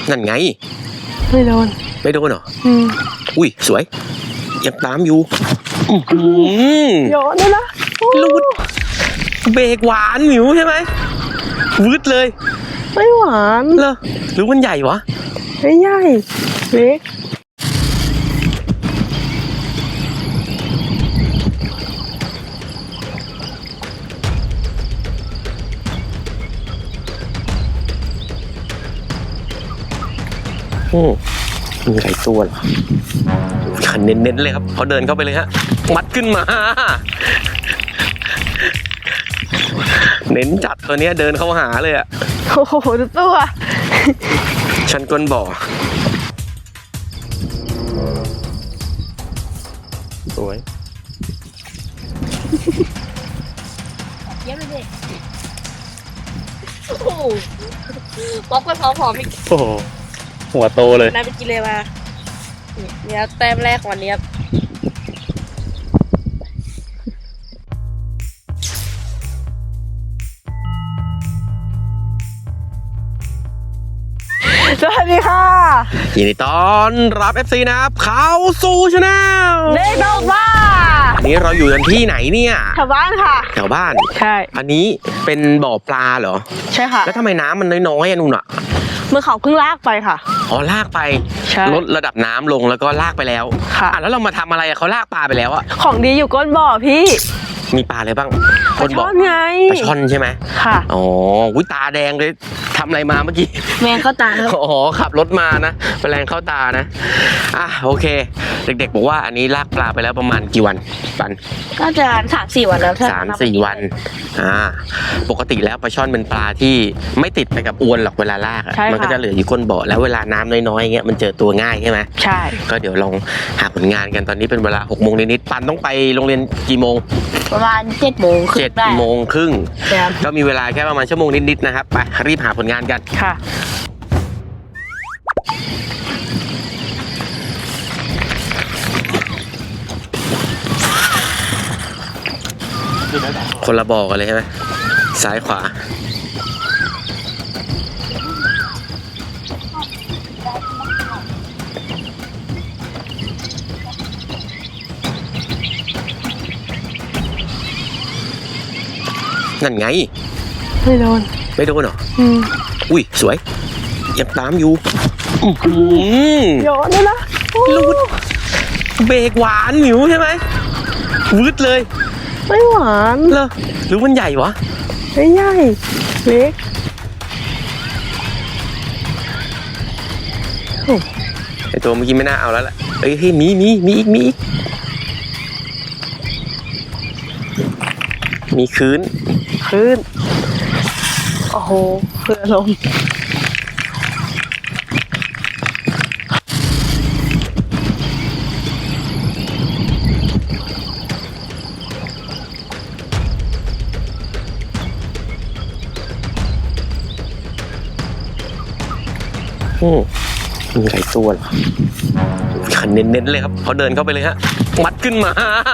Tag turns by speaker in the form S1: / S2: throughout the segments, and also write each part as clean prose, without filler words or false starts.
S1: นั่นไง
S2: ไม่โดน
S1: เหรออุ้ยสวยยังตามอยู่
S2: ย้อนเลยนะ
S1: ลูดเบรกหวานหมิวใช่ไหมวืดเลย
S2: ไม่หวาน
S1: เหรอหรือมันใหญ่วะ
S2: ไม่ใหญ่เล็ก
S1: มีหลายตัวเหรอขันเน้นๆเลยครับเขาเดินเข้าไปเลยฮะมัดขึ้นมาเน้นจัดตัวนี้เดินเข้าหาเลยอะ
S2: โอ้โหดูตัว
S1: ชันก้นบ่อสวย
S3: เยี่ยมเลยโอ้โหป๊อกไปพร้อมๆอีก
S1: โอ้โหหัวโตเลย
S3: นายไปกินเลยมาเนี่ยแต้มแรกวันนี้ครับ
S2: สวัสดีค่ะ
S1: ยินดีต้อนรับ FC นะครับเข้าสู่ชาแนล
S2: เด็กดอกบ้า
S1: อันนี้เราอยู่กันที่ไหนเนี่ย
S2: แถวบ้านค่ะ
S1: แถวบ้าน
S2: ใช่
S1: อันนี้เป็นบ่อปลาเหรอ
S2: ใช่ค่ะ
S1: แล้วทำไมน้ำมันน้อยๆนุ่นอะ
S2: เมื่อเขาเพิ่งลากไปค่ะ
S1: อ๋อลากไปลดระดับน้ำลงแล้วก็ลากไปแล้ว
S2: ค่ะ
S1: แล้วเรามาทำอะไรเขาลากปลาไปแล้วอะ
S2: ของดีอยู่ก้นบ่อพี่
S1: มีปลาอะไรบ้าง
S2: ปลาช่อนไง
S1: ปลาช่อนใช่ไหม
S2: ค่ะ
S1: อ๋อตาแดงเลยทำอะไรมาเมื่อกี้
S3: แมงเข้าตา
S1: อ๋อขับรถมานะแมลงเข้าตานะโอเคเด็กๆบอกว่าอันนี้ลากปลาไปแล้วประมาณกี่วันปัน
S3: ก็จะ3-4 วันแล้ว
S1: 3-4 วันปกติแล้วปลาช่อนเป็นปลาที่ไม่ติดไปกับอวนหรอกเวลาลากมันก็จะเหลืออยู่ก้นบ่อแล้วเวลาน้ำน้อยๆเงี้ยมันเจอตัวง่ายใช่ไหม
S2: ใช่
S1: ก็เดี๋ยวลองหาผลงานกันตอนนี้เป็นเวลา 6 โมงนิดๆปันต้องไปโรงเรียนกี่โมง
S3: ประมาณ7 โมงครึ่ง
S1: ก็มีเวลาแค่ประมาณชั่วโมงนิดๆนะครับไปรีบหาผลงานกัน
S2: ค่ะ
S1: คนละบ่อกันเลยใช่ไหมซ้ายขวานั่นไง
S2: ไม่โดน
S1: เหรออุ้ยสวยยังตามอยู่
S2: ย้อนเลยนะ
S1: ลูดเบรกหวานหมิวใช่ไหมวืดเลย
S2: ไม่หวาน
S1: เหรอหรือมันใหญ่วะ
S2: ไม่ใหญ่เล็ก
S1: ไอตัวเมื่อกี้ไม่น่าเอาแล้วแหละเฮ้ยมีอีกมีคืน
S2: โอ้โหเพื่อลม
S1: มีหลายตัวเหรอขันเน้นๆเลยครับเขาเดินเข้าไปเลยฮะมัดขึ้นมา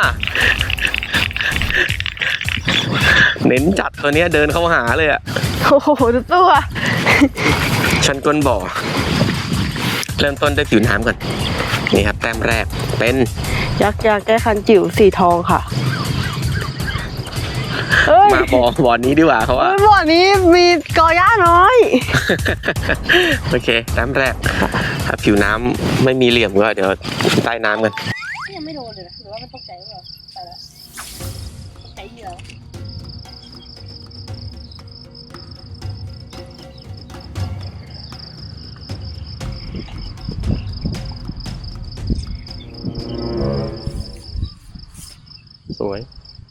S1: เน้นจัดตัวนี้เดินเข้าหาเลยอะ
S2: โอ้โหดูตัว
S1: ชันก้นบ่อเริ่มต้นด้วยผิวน้ำก่อนนี่ครับแต้มแรกเป็น
S2: ยักษ์แก้คันจิ๋วสีทองค่ะ
S1: มาบ่อนี้ดีกว่าเขาว่า
S2: บ่อนี้มีกอหญ้าน้อย
S1: โอเคแต้มแรกถ้าผิวน้ำไม่มีเหลี่ยมก็เดี๋ยวใต้น้ำกัน
S3: ยังไม่โดนเลยนะหรือว่ามันตกใจหรือเปล่าไปแล้วตกใจเยอะ
S1: สวย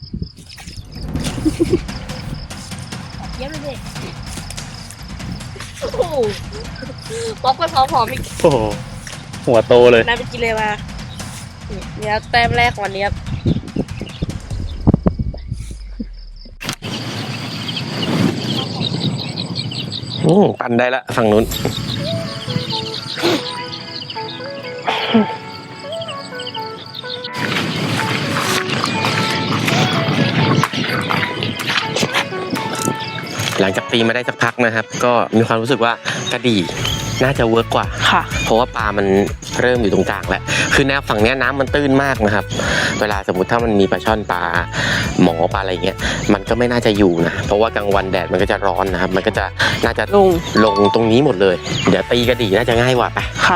S3: เยี่ยมเลยโอ้โหป๊อกไปพร้อมๆอีก
S1: โอ้โหหัวโตเลย
S3: นายไปกินเลยมาเนี่ยแต้มแรกวันนี้
S1: ปั่นได้ละฝั่งนู้นหลังจากตีมาได้สักพักนะครับก็มีความรู้สึกว่ากระดี่น่าจะเวิร์กกว่า
S2: ค่ะ
S1: เพราะว่าปลามันเริ่มอยู่ตรงกลางแล้วคือแนวฝั่งเนี้ยน้ำมันตื้นมากนะครับ เวลาสมมติถ้ามันมีปลาช่อนปลาหมอปลาอะไรเงี้ยมันก็ไม่น่าจะอยู่นะเพราะว่ากลางวันแดดมันก็จะร้อนนะครับมันก็จะน่าจะลงตรงนี้หมดเลยเดี๋ยวตีกระดี่น่าจะง่ายกว่าไป
S2: ค่ะ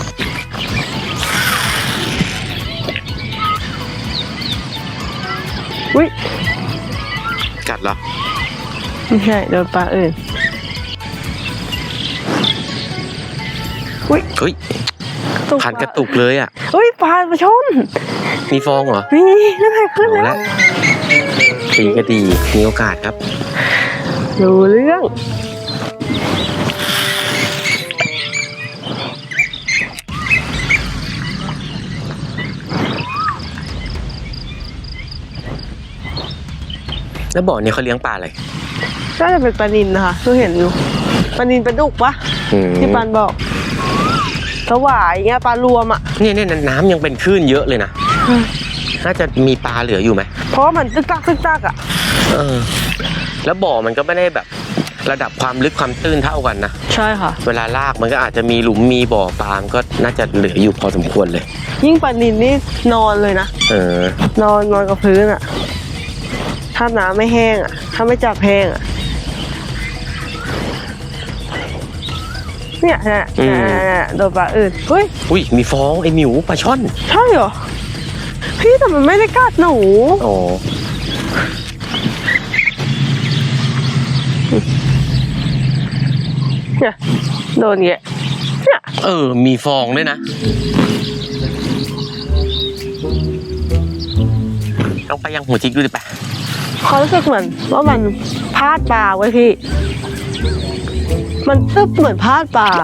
S2: อุ้ย
S1: กัดเหรอ
S2: ไม่ใช่โดนปลาอื่นอุ้ย
S1: เฮ้ย คันกระตุกเลยอ่ะ
S2: อุ้ยปลาชน
S1: มีฟองเหรอ
S2: นี่นั่นไงขึ้น
S1: เอา
S2: แล้
S1: ละ
S2: ว
S1: ตีกระดี่มีโอกาสครับ
S2: ดูเรื่อง
S1: แล้วบ่อนี้เขาเลี้ยงปลาอะไร
S2: น่าจะเป็นปลานิลนะคะคือเห็นอยู่ปลานิลปลาดุกปะ
S1: อืม
S2: ที่ปานบอกสวายอย่างเงี้ยปลารวมอ่ะ
S1: เนี่ยน้ำยังเป็นคลื่นเยอะเลยนะ น่าจะมีปลาเหลืออยู่ไหม
S2: เพราะว่ามันตึกตักอ่ะ
S1: เออ แล้วบ่อมันก็ไม่ได้แบบระดับความลึกความตื้นเท่ากันนะ
S2: ใช่ค่ะ
S1: เวลาลากมันก็อาจจะมีหลุมมีบ่อปลามันก็น่าจะเหลืออยู่พอสมควรเลย
S2: ยิ่งปลานิลนี่นอนเลยนะ
S1: เออ
S2: นอนกับพื้นอ่ะ ถ้าน้ำไม่แห้งอ่ะ ถ้าไม่จับแห้งอ่ะ เนี่ยโดนปลาอื่นเฮ้ย
S1: อุ้ยมีฟองไอหมิวปลาช่อน
S2: ใช่เหรอ พี่แต่มันไม่ได้กัดหนู
S1: อ๋อ
S2: เนี่ยโดนเงี้ยเนี่ย
S1: เออ มีฟองด้วยนะ ต้องไปยังหัวจิกดูดิปะ
S2: เขารู้สึกเหมือนว่ามันพลาดปลาไว้พี่ มันตึ๊บเหมือนพลาดปลา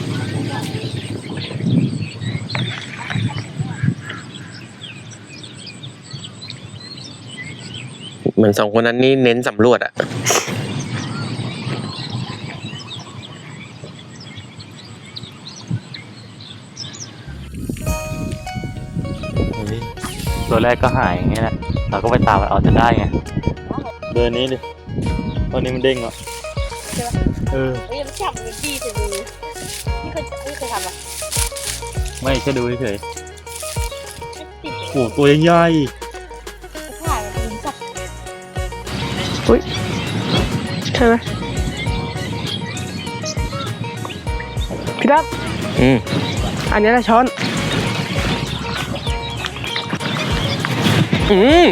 S1: เหมือนสองคนนั้นนี่เน้นสำรวจอะ
S4: ตัวแรกก็หายอย่างเงี้ยแหละเราก็ไปตามมันเอาจะได้ไง เดินนี้ดิตอนนี้มันเด้งอ่ะ
S3: ใช่ปะ
S4: เออ
S3: เฮ้ยมันจับมันจี้ใส่มือนี่เคยทำปะ
S4: ไม่แค่ดูเฉย
S3: ติด
S4: ๆโอ้ตัวใหญ่
S3: ถ่ายมันจับ
S2: อุ้ยใช่ไหมพี่ดับ
S1: อืม
S2: อันนี้แหละช้อน
S1: อืม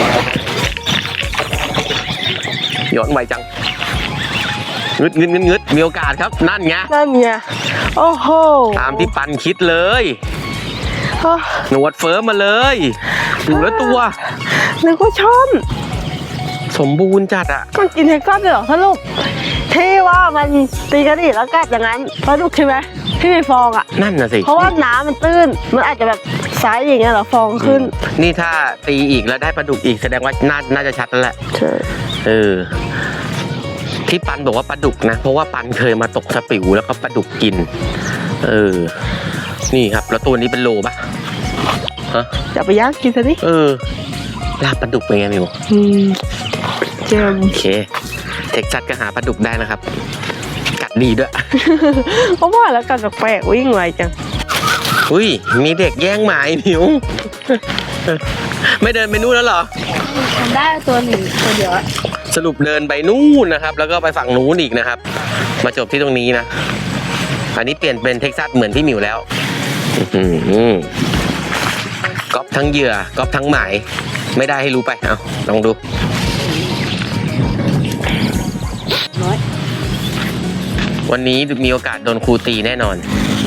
S1: ย้อนไวจังงึดมีโอกาสครับ นั่นไง
S2: นั่นไงโอ้โห
S1: ตามที่ปันคิดเลย
S2: โอ้
S1: หนวดเฟิร์มมาเลยอยู่แล้วตัว
S2: นึกว่าช้อน
S1: สมบูรณ์จัดอะ
S2: มันกินเท็กซัสเลยเหรอสรุปที่ว่ามันตีกันอีกแล้วกัดอย่างนั้นปลาดุกใช่ไหมที่มีฟองอ่ะ
S1: นั่นน่ะสิ
S2: เพราะว่าน้ำมันตื้น มันอาจจะแบบไซส์อย่างเงี้ยเหรอฟองขึ้น
S1: นี่ถ้าตีอีกแล้วได้ปลาดุกอีกแสดงว่าน่าจะชัดแล้วแหละ
S2: ใช่
S1: เออ ที่ปันบอกว่าปลาดุกนะ เพราะว่าปันเคยมาตกสปิวแล้วก็ปลาดุกกิน เออ นี่ครับ แล้วตัวนี้เป็นโลปะฮะ
S2: จะไปย่างกินซะนี่
S1: เออลาบปลาดุกเป็นไงมิว
S2: เจม
S1: โอเค เท็กซัสก็หาปลาดุกได้นะครับ กัดดีด้วย
S2: เพราะว่าแล้วกัดแปลกๆวิ่งไวจัง
S1: อุ้ย มีเด็กแย่งหมาไอ้มิว ไม่เดินไปนู่นแล้วเหรอ
S3: ทำได้ตัวหนึ่งตัวเดียวอะ
S1: สรุปเดินไปนู่นนะครับ แล้วก็ไปฝั่งนู้นอีกนะครับ มาจบที่ตรงนี้นะ อันนี้เปลี่ยนเป็นเท็กซัสเหมือนพี่หมิวแล้วอื้อหือก๊อปทั้งเหยื่อก๊อปทั้งหมาย ไม่ได้ให้รู้ไป เอาลองดู
S3: น้อย
S1: วันนี้มีโอกาสโดนครูตีแน่นอน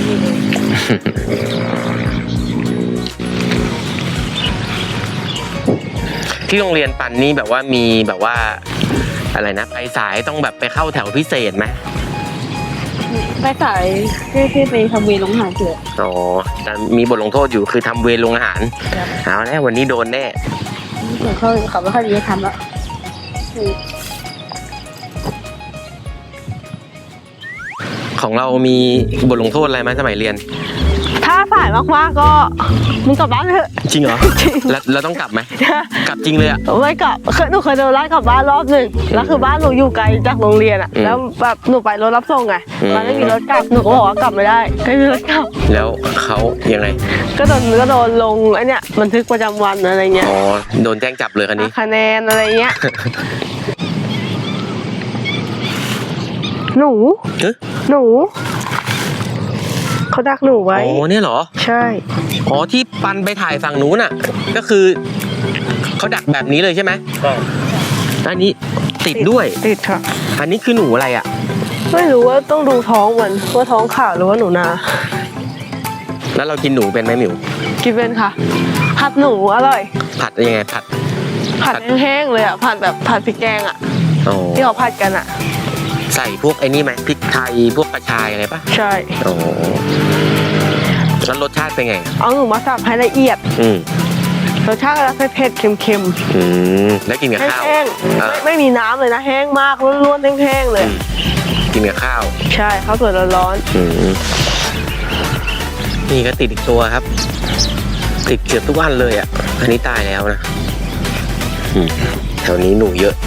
S1: ที่โรงเรียนปันนี่แบบว่ามีแบบว่าอะไรนะ ไปสายต้องแบบไปเข้าแถวพิเศษไหม
S3: ไปสายที่ไปทำเวรลงอาหารเถอะ
S1: อ๋อแต่มีบทลงโทษอยู่คือทำเวรโรงอาหารเอาแล้ววันนี้โดนแน่
S3: เหมือนเขาไม่ค่อยดีจะทำแล้ว
S1: ของเรามีบทลงโทษอะไรไหมสมัยเรียน
S2: ทถ้าสายมากๆก็มึงกลับบ้านเถอะ
S1: จริงเหรอแล้วต้องกลับไหมกลับจริงเลยอ่ะ
S2: ไม่กลับหนูเคยโดนไล่กลับบ้านรอบหนึ่งแล้วคือบ้านหนูอยู่ไกลจากโรงเรียนอ่ะ แล้วแบบหนูไปรถรับส่งไงมันไม่มีรถกลับหนูก็บอกว่ากลับไม่ได้ไม่มีรถกลับ
S1: แล้วเขายังไง
S2: ก็โดนลงไอ้เนี่ยบันทึกประจำวันอะไรเงี้ย
S1: อ๋อโดนแจ้งจับเลยคันนี้
S2: คะแนนอะไรเงี้ย หนู
S1: เอ๊ะ
S2: หนูเขาดักหนูไว้
S1: อ๋อเนี่ยเหรอ
S2: ใช่
S1: อ๋อที่ปันไปถ่ายฝั่งนู้นอ่ะ ก็คือเขาดักแบบนี้เลยใช่ไหม
S4: ใช่
S1: อันนี้ติดด้วย
S2: ติดค่ะ
S1: อันนี้คือหนูอะไรอ่ะ
S2: ไม่รู้ว่าต้องดูท้องมันว่าท้องขาวหรือว่าหนูนา
S1: แล้วเรากินหนูเป็นไหมหมิว
S2: กินเป็นค่ะ ผัดหนูอร่อย
S1: ผัดยังไงผัด
S2: ผัดแห้งๆเลยอ่ะผัดแบบผัดพริกแกงอ่ะ
S1: อ๋อ
S2: ที่เขาผัดกันอ่ะ
S1: ใส่พวกไอ้นี่ไหมพริกไทยพวกกระชายอะไรปะ
S2: ใช่
S1: อ๋อแล้วรสชาติเป็นไง
S2: เอาหนูมาสับให้ละเอียด
S1: อืม
S2: รสชาติก็จะเผ็ดๆเค็ม
S1: อืมแล้วกินกับ
S2: ๆ
S1: ข้าว
S2: แห้ง
S1: อ่า
S2: ๆไม่มีน้ำเลยนะแห้งมากล้วนๆแห้งๆเลย
S1: อืมกินกับข้าว
S2: ใช่ข้าวสวยร้อน
S1: อืมนี่ก็ติดอีกตัวครับ ติดเกือบทุกวันเลยอ่ะ อันนี้ตายแล้วนะอืมแถวนี้หนูเยอะ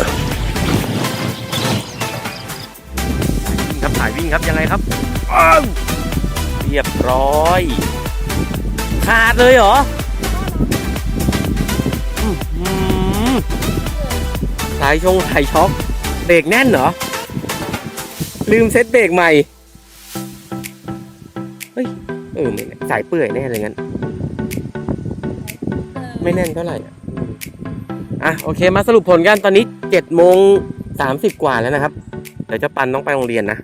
S1: ครับสายวิ่งครับยังไงครับอ้าวเรียบร้อย ขาดเลยเหรออื้อหือสายช็อกเบรกแน่นเหรอ ลืมเซ็ตเบรกใหม่ เฮ้ย ไม่แน่สายเปื่อยแน่เลยงั้น ไม่แน่นเท่าไหร่อ่ะโอเคมาสรุปผลกันตอนนี้7:30 กว่าแล้วนะครับ เดี๋ยวเจ้าปันต้องไปโรงเรียนนะ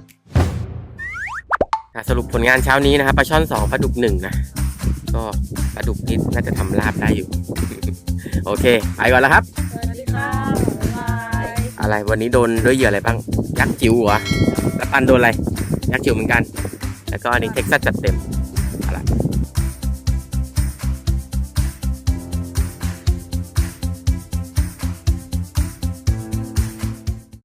S1: สรุปผลงานเช้านี้นะครับปลาช่อน2ปลาดุก1นะก็ปลาดุกนี่น่าจะทำลาบได้อยู่ โอเคไปก่อนแล้วครับ
S3: สวัสดีค่ะบ๊ายบาย
S1: อะไรวันนี้โดนด้วยเหยื่ออะไรบ้างยักษ์จิ๋วเหรอแล้วปันโดนอะไรยักษ์จิ๋วเหมือนกัน แล้วก็อันนี้เท็กซัสจัดเต็มอะไร